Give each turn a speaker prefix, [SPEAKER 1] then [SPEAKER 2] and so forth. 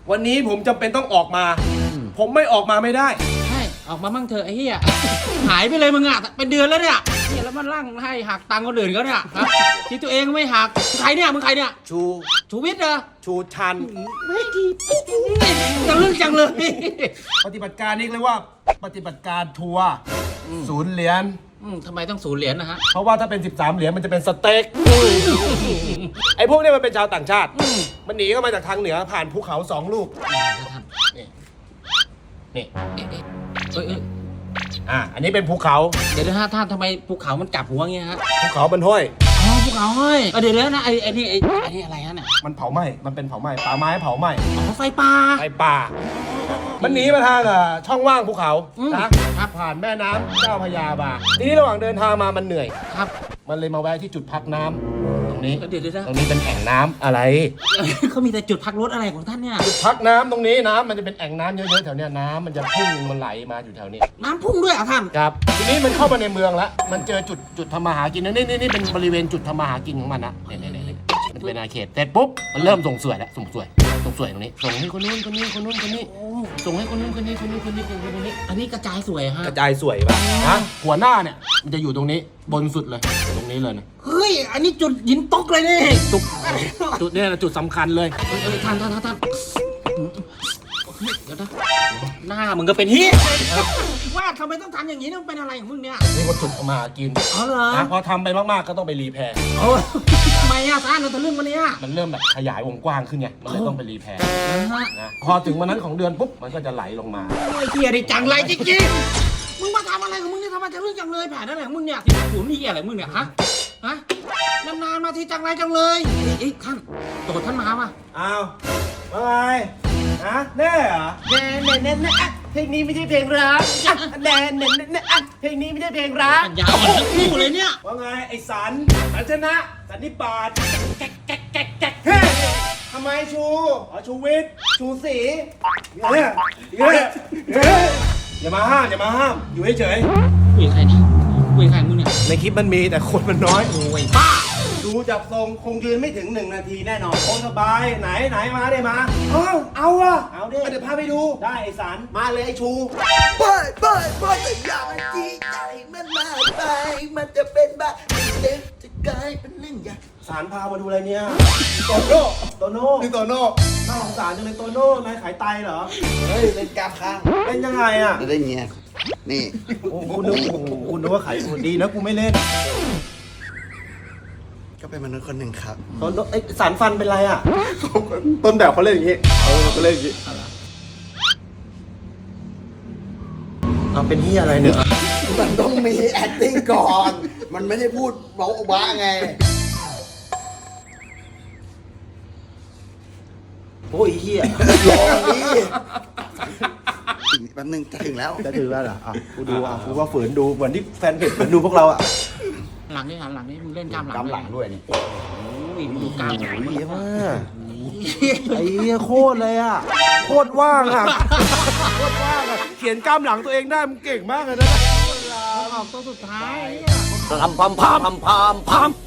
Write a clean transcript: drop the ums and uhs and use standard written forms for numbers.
[SPEAKER 1] วันนี้ผมจำเป็นต้องออกมา ผมไม่ออกมาไม่ได้
[SPEAKER 2] ใช่ออกมามั่งเถอะไอ้เหี้ยหายไปเลยมึงอ่ะเป็นเดือนแล้วเนี่ยแล้วมันร่างให้หักตังค์คนอื่นเขาเนี่ยคิดตัวเองไม่หักใครเนี่ยมึงใครเนี่ยชูวิทย์เหรอ
[SPEAKER 1] ชูชัน
[SPEAKER 2] ไม่ดีจังเรื่องจังเลย
[SPEAKER 1] ปฏิบัติการนี้เรียกว่าปฏิบัติการทัวร์0 เหรียญ
[SPEAKER 2] ทำไมต้อง0 เหรียญนะฮะ
[SPEAKER 1] เพราะว่าถ้าเป็น13 เหรียญมันจะเป็นสเต็กไอ้พวกนี้มันเป็นชาวต่างชาติมันหนีเข้ามาจากทางเหนือผ่านภูเขา2 ลูกนี่อันนี้เป็นภูเขา
[SPEAKER 2] เดี๋ยวนะท่านทำไมภูเขามันกลับหัวเงี้ยฮะ
[SPEAKER 1] ภูเขามันห้อย
[SPEAKER 2] ภูเขาห้อยเดี๋ยวนะไอ้นี่อะไรฮะเนี่ย
[SPEAKER 1] มันเผาไหม้มันเป็นเผาไหม้ป่าไม้เผาไหม้
[SPEAKER 2] ไฟป่า
[SPEAKER 1] มันหนีมาทางช่องว่างภูเขานะครับผ่านแม่น้ำเจ้าพระยามาทีนี้ระหว่างเดินทางมามันเหนื่อย
[SPEAKER 2] ครับ
[SPEAKER 1] มันเลยมาแวะที่จุดพักน้ำตรงนี้
[SPEAKER 2] เดี๋ยว
[SPEAKER 1] ตรงนี้เป็นแอ่งน้ำอะไร
[SPEAKER 2] เขามีแต่จุดพักรถอะไรของท่านเนี่ย
[SPEAKER 1] จุดพักน้ำตรงนี้น้ำมันจะเป็นแอ่งน้ำเยอะๆแถวเนี้ยน้ำมันจะพุ่งมันไหลมาอยู่แถวนี้
[SPEAKER 2] น้ำพุ่งด้วยอ่ะท่าน
[SPEAKER 1] ครับทีนี้มันเข้ามาในเมืองแล้วมันเจอจุดทำมาหากินนี่เป็นบริเวณจุดทำมาหากินของมันนะนี่มันเป็นอาเขตเสร็จปุ๊บมันเริ่มส่งสวยแล้วส่งสวยตรงนี้ส่งให้คนนู้นคนนี้ส่งให้คนนู้นคนนี้
[SPEAKER 2] อันนี้กระจายสวยฮะ
[SPEAKER 1] กระจายสวยป่ะฮะหัวหน้าเนี่ยมันจะอยู่ตรงนี้บนสุดเลยตรงนี้เลยนะ
[SPEAKER 2] เฮ้ยอันนี้จุดหินตกเลยนี่
[SPEAKER 1] จุดเนี่ยนะจุดสำคัญเลย
[SPEAKER 2] ท่านเดี๋ยวนะหน้ามึงก็เป็นฮีว่าทำไมต้องทำอย่างนี้ต้องเป็นอะไรของมึงเนี่ย
[SPEAKER 1] นี่ก็จุดมากิน
[SPEAKER 2] อ๋อเหรอ
[SPEAKER 1] พอทำไปมากๆก็ต้องไปรีแพร์
[SPEAKER 2] ทำไมอ่ะท่านเราจะเรื่องวันนี้
[SPEAKER 1] มันเริ่มแบบขยายวงกว้างขึ้นไงมันเลยต้องไปรีแพร์นะพอถึงวันนั้นของเดือนปุ๊บมันก็จะไหลลงมา
[SPEAKER 2] โอ้ยเฮียดิจังไรจริงๆมึงมาทำอะไรของมึงเนี่ยทำไมจะเรื่องจังเลยแผนอะไรของมึงเนี่ยขุนนี่อะไรมึงเนี่ยฮะนานๆมาทีจังไรจังเลยท่านโดดท่านมาป่ะ
[SPEAKER 1] อ้าวว่าไงแน่เหรอ
[SPEAKER 2] แน่เพลงนี้ไม่ใช่เพลงรักแน่เพลงนี้ไม่ใช่เพลงรักยาวคู่เลยเนี่ย
[SPEAKER 1] ว่าไงไอ้สันชนะสันนิบาต
[SPEAKER 2] แก๊ก
[SPEAKER 1] ทำไมชูวิทย์ชูศรีอย่ามาห้ามอยู่เฉย
[SPEAKER 2] คุยกับใครเนี่ยคุยกับใครมึงเนี่ย
[SPEAKER 1] ในคลิปมันมีแต่คนมันน้อย
[SPEAKER 2] โอ้ยบ้า
[SPEAKER 1] ดูจับทรงคงยืนไม่ถึง1 นาทีแน่นอนโอ้สบายไหนมาได้มาเอาดิเดี๋ยวพาไปดูได้ไอ้สันมาเลยไอ้ชู
[SPEAKER 3] ไปแต่อย่างที่ใจมันมากไปมันจะเป็นบ้าเด็กจะกลายเป็นเรื่องใหญ่
[SPEAKER 1] สารพามาดูอะไรเนี่ยโตโน่นี่โตโน่น่าสงสารจังเลยโตโน่นายขายไตเหรอ
[SPEAKER 3] เฮ้ยเป็นกราฟค้าง
[SPEAKER 1] เล่นยังไงอ่ะ
[SPEAKER 3] จะได้เงี้ยนี่
[SPEAKER 1] คุณนึกว่าขายดีนะกูไม่เล่น
[SPEAKER 3] ก็เป็นมนุษย์คนหนึ่งครับ
[SPEAKER 1] ไอ้สารฟันเป็นไรอ่ะต้นแบบเขาเล่นอย่างงี้เขาเล่นอย่างงี้เป็นที่อะไรเนี่ย
[SPEAKER 3] มันต้องมี acting ก่อนมันไม่ได้พูดเบาบ้าไง
[SPEAKER 1] โอ้ยเฮีย
[SPEAKER 3] รอนี่แป๊บนึงจะถึงแล้ว
[SPEAKER 1] เหรอกูดูกูว่าฝืนดูเหมือนที่แฟนเพจฝืนดูพวกเราอ่ะ
[SPEAKER 2] หลังนี่มึงเล่นกล้าม
[SPEAKER 3] หลังด้วยนี่
[SPEAKER 2] ดูกล้ามหลัง
[SPEAKER 1] เยอะมากไอ้เหี้ยโคตรเลยอ่ะโคตรว่างอ่ะเขียนกล้ามหลังตัวเองได้มึงเก่งมากเลยนะ
[SPEAKER 2] ออกตัวสุดท้าย
[SPEAKER 1] พัม